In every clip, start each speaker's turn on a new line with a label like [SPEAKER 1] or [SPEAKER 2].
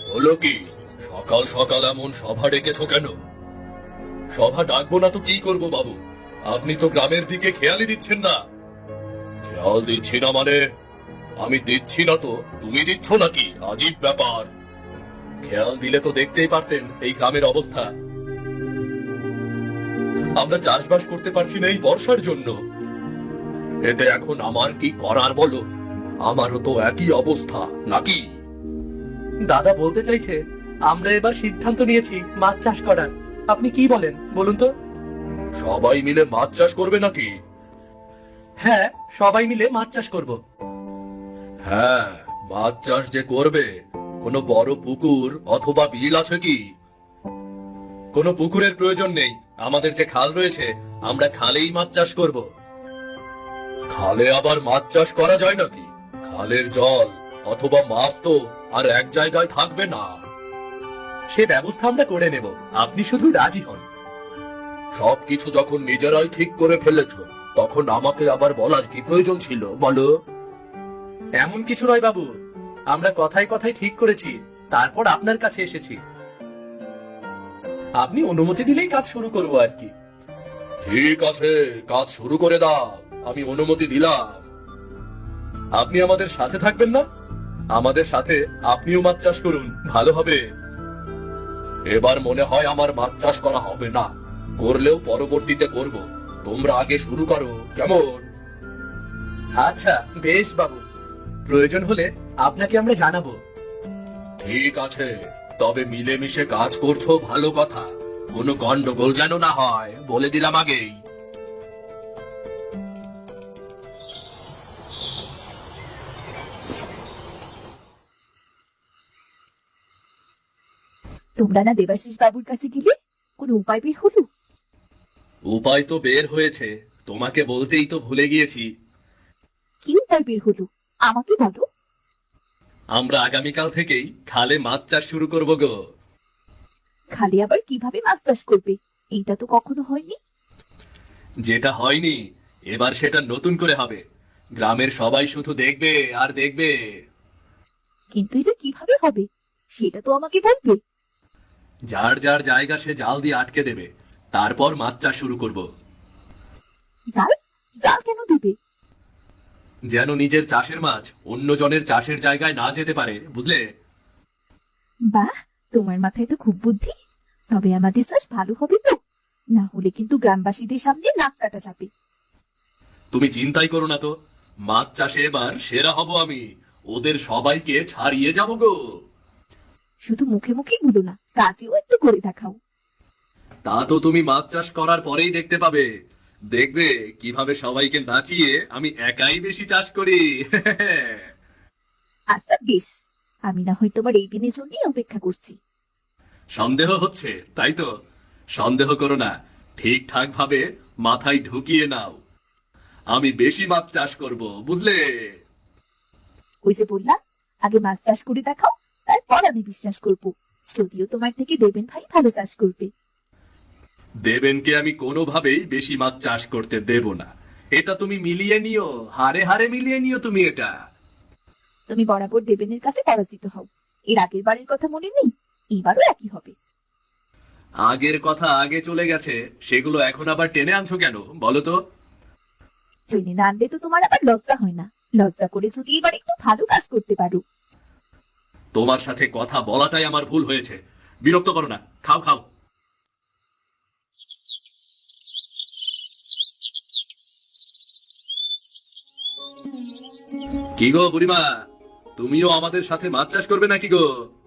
[SPEAKER 1] হলো কি? সকাল সকাল এমন সভা ডেকেছো কেন? সভা ডাকবো না তো কি করব বাবু? আপনি তো গ্রামের দিকে খেয়ালই দিচ্ছেন না। খেয়াল দিচ্ছি না মানে? আমি দিচ্ছি না তো তুমি দিচ্ছ নাকি? আজীব ব্যাপার। খেয়াল দিলে তো দেখতেই পারতেন এই গ্রামের অবস্থা। আমরা চাষবাস করতে পারছি না এই বর্ষার জন্য। এতে এখন আমার কি করার বলো? আমারও তো একই অবস্থা নাকি?
[SPEAKER 2] দাদা বলতে চাইছে আমরা এবার সিদ্ধান্ত নিয়েছি মাছ চাষ করার। আপনি কি বলেন বলুন তো?
[SPEAKER 1] সবাই মিলে মাছ চাষ করবে নাকি?
[SPEAKER 2] হ্যাঁ, সবাই মিলে মাছ চাষ করব।
[SPEAKER 1] হ্যাঁ, মাছ চাষ যে করবে, কোনো বড় পুকুর অথবা বিল আছে কি? কোনো পুকুরের প্রয়োজন নেই। আমাদের যে খাল রয়েছে, আমরা খালেই মাছ চাষ করব। খালে আবার মাছ চাষ করা যায় নাকি? খালের জল অথবা মাছ তো আর এক জায়গায় থাকবে না।
[SPEAKER 2] সে ব্যবস্থা আমরা করে নেব, আপনি শুধু রাজি হন।
[SPEAKER 1] সবকিছু যখন নিজেরাই ঠিক করে ফেলেছ, তখন আমাকে আবার বলার কি প্রয়োজন ছিল বলো?
[SPEAKER 2] এমন কিছু নয় বাবু, আমরা কথায় কথায় ঠিক করেছি, তারপর আপনার কাছে এসেছি। আপনি অনুমতি দিলেই কাজ শুরু করব আর কি।
[SPEAKER 1] ঠিক আছে, কাজ শুরু করে দাও, আমি অনুমতি দিলাম।
[SPEAKER 2] আপনি আমাদের সাথে থাকবেন না? আমাদের সাথে আপনিও মাছ চাষ করুন, ভালো হবে।
[SPEAKER 1] এবার মনে হয় আমার মাছ চাষ করা হবে না, করলেও পরবর্তীতে করব। তোমরা আগে শুরু করো, কেমন?
[SPEAKER 2] আচ্ছা বেশ বাবু, প্রয়োজন হলে আপনাকে আমরা জানাবো।
[SPEAKER 1] ঠিক আছে, তবে মিলেমিশে কাজ করছো ভালো কথা, কোনো গন্ডগোল যেন না হয়, বলে দিলাম আগেই।
[SPEAKER 3] তোমরা না দেবাশিস বাবুর কাছে গেলে, কোনো উপায় বের হলো?
[SPEAKER 1] উপায় তো বের হয়েছে, তোমাকে বলতেই তো ভুলে গিয়েছি।
[SPEAKER 3] কি উপায় বের হলো আমাকে বলো।
[SPEAKER 1] আমরা আগামীকাল থেকেই খালে মাছ চাষ শুরু করব গো।
[SPEAKER 3] খালি আবার কিভাবে মাছ চাষ করবে? এটা তো কখনো হয়নি।
[SPEAKER 1] যেটা হয়নি, এবার সেটা নতুন করে হবে। গ্রামের সবাই শুধু দেখবে আর দেখবে।
[SPEAKER 3] কিন্তু এটা কিভাবে হবে সেটা তো আমাকে বলবে।
[SPEAKER 1] যার যার জায়গা সে জাল দিয়ে আটকে দেবে, তারপর মাছ চাষ শুরু করব।
[SPEAKER 3] জাল? জাল কেন দিবে?
[SPEAKER 1] যেন নিজের চাষের মাছ অন্য জনের চাষের জায়গায় না যেতে পারে, বুঝলে?
[SPEAKER 3] বাহ, তোমার মাথায় তো খুব বুদ্ধি। তবে আমাদের চাষ ভালো হবে তো? না হলে কিন্তু গ্রামবাসীদের সামনে নাক কাটা যাবে।
[SPEAKER 1] তুমি চিন্তাই করো না তো, মাছ চাষে এবার সেরা হব আমি। ওদের সবাইকে ছাড়িয়ে যাব গো।
[SPEAKER 3] শুধু মুখে মুখে বলো না, কাজেও একটু করে দেখাও।
[SPEAKER 1] তা তো তুমি মাছ চাষ করার পরেই দেখতে পাবে। দেখবে কিভাবে সবাইকে নাচিয়ে আমি একাই বেশি চাষ করি।
[SPEAKER 3] আচ্ছা বেশ, আমি না হয় তোমার এই দিনের জন্যই অপেক্ষা করছি।
[SPEAKER 1] সন্দেহ হচ্ছে তাই তো? সন্দেহ করো না, ঠিকঠাক ভাবে মাথায় ঢুকিয়ে নাও। আমি বেশি মাছ চাষ করব, বুঝলে?
[SPEAKER 3] ওই যে বললাম, আগে মাছ চাষ করে দেখাও, তারপর আমি বিশ্বাস করব। যদিও তোমার থেকে দেবেন ভাই ভালো চাষ করবে।
[SPEAKER 1] দেবেনকে আমি কোনোভাবেই বেশি মাছ চাষ করতে দেব না। এটা তুমি মিলিয়ে নিও, হারে হারে মিলিয়ে নিও তুমি এটা।
[SPEAKER 3] তুমি বরাবর দেবেনের কাছে পরাজিত হও। এর আগের বারের কথা মনে নেই? এবারও একই হবে।
[SPEAKER 1] আগের কথা আগে চলে গেছে, সেগুলো এখন আবার টেনে আনছো কেন বলো তো?
[SPEAKER 3] জেনে না আনলে তো তোমার আবার লজ্জা হয় না? লজ্জা করে যদি এবার একটু ভালো কাজ করতে পারো।
[SPEAKER 1] তোমার সাথে কথা বলাটাই আমার ভুল হয়েছে। বিরক্ত করো না, খাও খাও। কি গো বুড়িমা, তুমিও আমাদের সাথে মাছ চাষ করবে নাকি গো?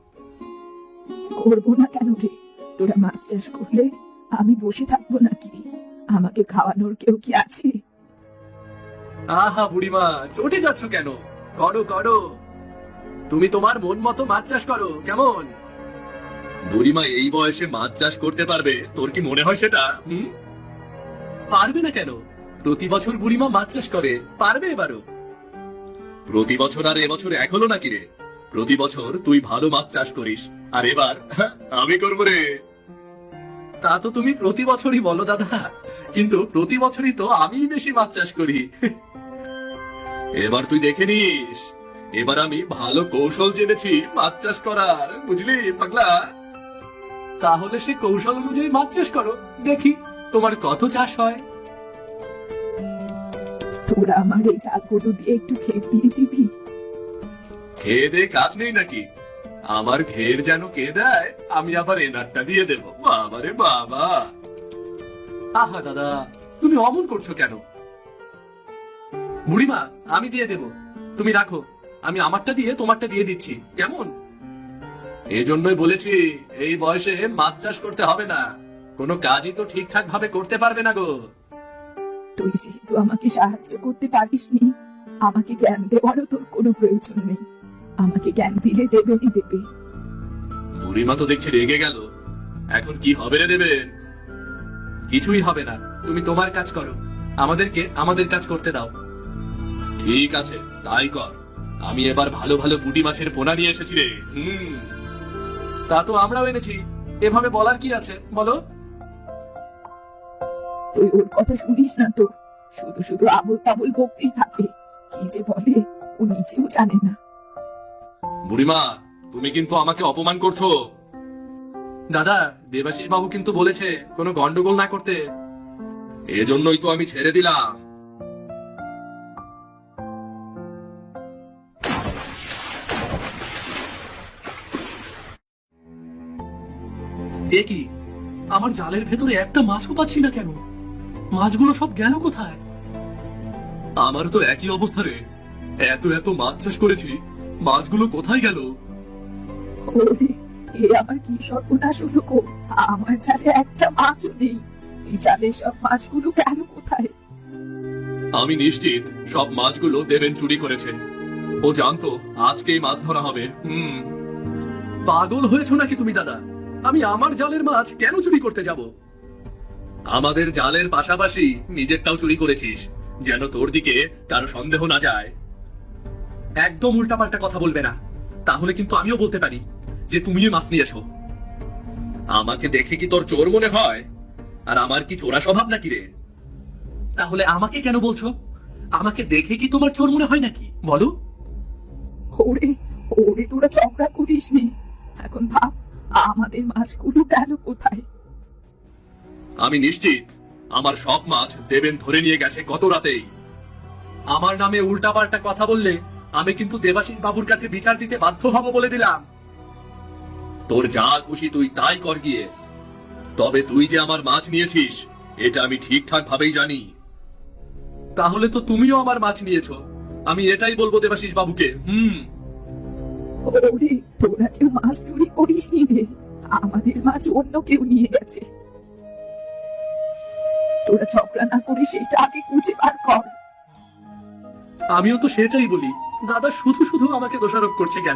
[SPEAKER 3] করবো না কেন রে? তোরা মাছ চাষ করলে আমি বসে থাকবো নাকি? আমাকে খাওয়ানোর কেউ কি আছে?
[SPEAKER 1] আহা বুড়িমা, চটে যাচ্ছ কেন? করো করো, তুমি তোমার মন মতো মাছ চাষ করো, কেমন? বুড়িমা এই বয়সে মাছ চাষ করতে পারবে, তোর কি মনে হয় সেটা? পারবে না কেন? প্রতি বছর বুড়িমা মাছ চাষ করে, পারবে এবারও। প্রতি বছর আর এবছর এক হলো নাকি রে? প্রতি বছর তুই ভালো মাছ চাষ করিস, আর এবার আমি করবো রে। তা তো তুমি প্রতি বছরই বলো দাদা, কিন্তু প্রতি বছরই তো আমিই বেশি মাছ চাষ করি। এবার তুই দেখে নিস, এবার আমি ভালো কৌশল জেনেছি মাছ চাষ করার, বুঝলি পাগলা?
[SPEAKER 2] তাহলে সে কৌশল অনুযায়ী মাছ চাষ করো, দেখি তোমার কত চাষ হয়।
[SPEAKER 3] তোরা আমার এই জালগুলো দিয়ে একটু খেত দিয়ে দিবি।
[SPEAKER 1] খেয়ে দে কাজ নেই নাকি? আমার ঘের যেন কে দেয়, আমি আবার এনারটা দিয়ে দেবো। বাবারে বাবা!
[SPEAKER 2] আহা দাদা, তুমি অমন করছো কেন? বুড়িমা, আমি দিয়ে দেব, তুমি রাখো, আমি আমারটা দিয়ে তোমারটা দিয়ে দিচ্ছি, কেমন?
[SPEAKER 1] এই জন্যই বলেছি এই বয়সে মাছ চাষ করতে হবে না, কোনো কাজই তো ঠিকঠাক ভাবে করতে পারবে না গো।
[SPEAKER 3] তুই যেহেতু আমাকে সাহায্য করতে পারিসনি, আমাকে জ্ঞান দেওয়ারও তোর কোনো প্রয়োজন নেই। আমাকে জ্ঞান দিলে দেবেনই দেবে।
[SPEAKER 1] বুড়িমা তো দেখছি রেগে গেল, এখন কি হবে রে দেবেন?
[SPEAKER 2] কিছুই হবে না, তুমি তোমার কাজ করো, আমাদেরকে আমাদের কাজ করতে দাও।
[SPEAKER 1] ঠিক আছে, তাই কর। আমি এবার ভালো ভালো পুঁটি মাছের পোনা নিয়ে এসেছি রে।
[SPEAKER 2] তা তো আমরাও এনেছি, এভাবে বলার কি আছে বলো?
[SPEAKER 3] তুই ওর কথা শুনিস না তো, শুধু শুধু আবল তাবল বকতেই থাকে। কি যে বলে ও নিজেও জানে না।
[SPEAKER 1] বুড়িমা, তুমি কিন্তু আমাকে অপমান করছো।
[SPEAKER 2] দাদা, দেবাশিস বাবু কিন্তু বলেছে কোনো গন্ডগোল না করতে।
[SPEAKER 1] এজন্যই তো আমি ছেড়ে দিলাম।
[SPEAKER 2] এ কি, আমার জালের ভেতরে একটা মাছও পাচ্ছি না কেন? মাছগুলো সব গেল কোথায়?
[SPEAKER 1] আমার তো একই অবস্থা রে, এত এত মাছ চাষ করেছি, মাছগুলো কোথায় গেল?
[SPEAKER 3] ওরে, এ আমার কি সর্বনাশ হলো গো! আমার জালে একটা মাছও নেই। এই জালের সব মাছগুলো গেল কোথায়?
[SPEAKER 1] আমি নিশ্চিত সব মাছগুলো দেবেন চুরি করেছে। ও জানতো আজকেই মাছ ধরা হবে।
[SPEAKER 2] পাগল হয়েছো নাকি তুমি দাদা? আমি আমার জালের মাছ কেন চুরি করতে যাব?
[SPEAKER 1] আমাদের জালের পাশাপাশি নিজেরটাও চুরি করেছিস, যেন তোর দিকে কারো সন্দেহ না যায়।
[SPEAKER 2] একদম উল্টাপাল্টা কথা বলবে না, তাহলে কিন্তু আমিও বলতে পারি যে তুমিও মাছ নিয়েছো।
[SPEAKER 1] আমাকে দেখে কি তোর চোর মনে হয়? আর আমার কি চোরা স্বভাব নাকি রে?
[SPEAKER 2] তাহলে আমাকে কেন বলছো? আমাকে দেখে কি তোমার চোর মনে হয় নাকি বলো?
[SPEAKER 3] ওরে ওরে, তোরা ঝগড়া করিস নি। এখন ভাব আমাদের মাছগুলো গেল কোথায়?
[SPEAKER 1] আমি নিশ্চিত আমার সব মাছ দেবেন ধরে নিয়ে গেছে গত রাতেই।
[SPEAKER 2] আমার নামে উল্টাপাল্টা কথা বললে আমি কিন্তু দেবাশিস বাবুর কাছে বিচার দিতে বাধ্য হব বলে দিলাম।
[SPEAKER 1] তোর যা খুশি তুই তাই কর গিয়ে, তবে তুই যে আমার মাছ নিয়েছিস এটা আমি ঠিকঠাক ভাবেই জানি।
[SPEAKER 2] তাহলে তো তুমিও আমার মাছ নিয়েছো, আমি এটাই বলবো দেবাশিস বাবুকে।
[SPEAKER 3] ওরে, তোরা কেউ মাছ চুরি করিস নি রে, আমাদের মাছ অন্য কেউ নিয়ে গেছে। তোরা ঝগড়া না করে সেটা আগে খুঁজে বার কর।
[SPEAKER 2] আমিও তো সেটাই বলি, দাদা শুধু শুধু আমাকে দোষারোপ করছে কেন?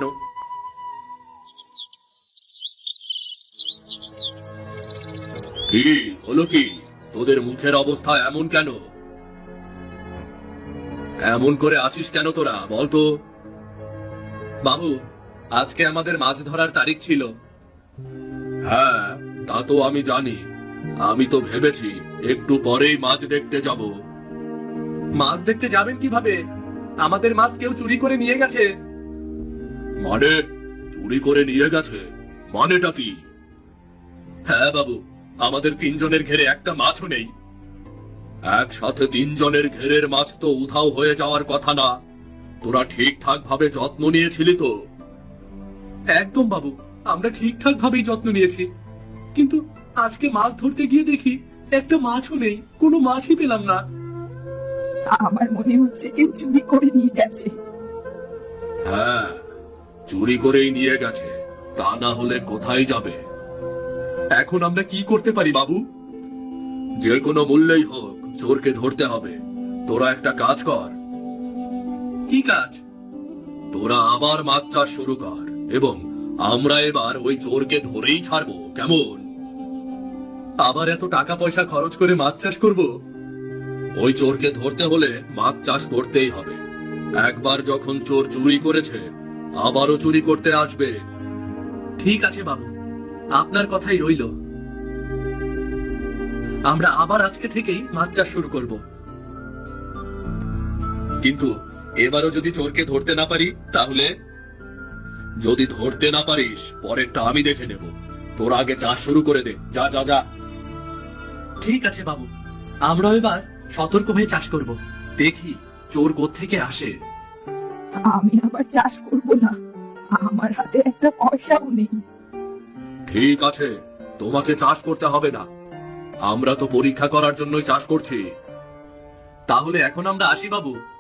[SPEAKER 1] কি হলো কি? তোদের মুখের অবস্থা এমন কেন? এমন করে আছিস কেন তোরা, বলতো?
[SPEAKER 2] বাবু, আজকে আমাদের মাছ ধরার তারিখ ছিল।
[SPEAKER 1] হ্যাঁ, তা তো আমি জানি। আমি তো ভেবেছি একটু পরেই মাছ দেখতে যাব।
[SPEAKER 2] মাছ দেখতে যাবেন কিভাবে? আমাদের মাছ কেউ চুরি করে নিয়ে গেছে।
[SPEAKER 1] মানে চুরি করে নিয়ে গেছে? মানেটা কি?
[SPEAKER 2] হ্যাঁ বাবু, আমাদের 3 জনের ঘেরে একটা মাছও নেই।
[SPEAKER 1] একসাথে 3 জনের ঘেরের মাছ তো উধাও হয়ে যাওয়ার কথা না। তোরা ঠিকঠাক ভাবে যত্ন নিয়েছিলি তো?
[SPEAKER 2] একদম বাবু, আমরা ঠিকঠাক ভাবেই যত্ন নিয়েছি, কিন্তু আজকে মাছ ধরতে গিয়ে দেখি একটা মাছও নেই, কোনো মাছই পেলাম না।
[SPEAKER 3] আমার মনে হচ্ছে কেউ চুরি করে নিয়ে গেছে।
[SPEAKER 1] হ্যাঁ, চুরি করেই নিয়ে গেছে, তা না হলে কোথায় যাবে?
[SPEAKER 2] এখন আমরা কি করতে পারি বাবু?
[SPEAKER 1] যে কোনো মূল্যেই হোক চোরকে ধরতে হবে। তোরা একটা কাজ কর।
[SPEAKER 2] কি কাজ?
[SPEAKER 1] তোরা আবার মাছ চাষ শুরু কর, এবং আমরা এবার ওই চোরকে ধরেই ছাড়বো, কেমন?
[SPEAKER 2] আবার এত টাকা পয়সা খরচ করে মাছ চাষ করব?
[SPEAKER 1] ওই চোরকে ধরতে হলে মাছ চাষ করতেই হবে। একবার যখন চোর চুরি করেছে আবারও চুরি করতে আসবে।
[SPEAKER 2] ঠিক আছে বাবু, আপনার কথাই রইল। আমরা আবার আজকে থেকেই মাছ চাষ শুরু করব।
[SPEAKER 1] কিন্তু এবারও যদি চোরকে ধরতে না পারি তাহলে? যদি ধরতে না পারিস পরেরটা আমি দেখে নেব। তোরা আগে চাষ শুরু করে দে, যা যা যা।
[SPEAKER 2] ঠিক আছে বাবু, আমরাও এবার সতর্ক হয়ে চাষ করব। দেখি চোর কোত্থেকে আসে।
[SPEAKER 3] আমি আবার চাষ করব না, আমার হাতে একটা পয়সাও নেই।
[SPEAKER 1] ঠিক আছে, তোমাকে চাষ করতে হবে না, আমরা তো পরীক্ষা করার জন্যই চাষ করছি।
[SPEAKER 2] তাহলে এখন আমরা আসি বাবু।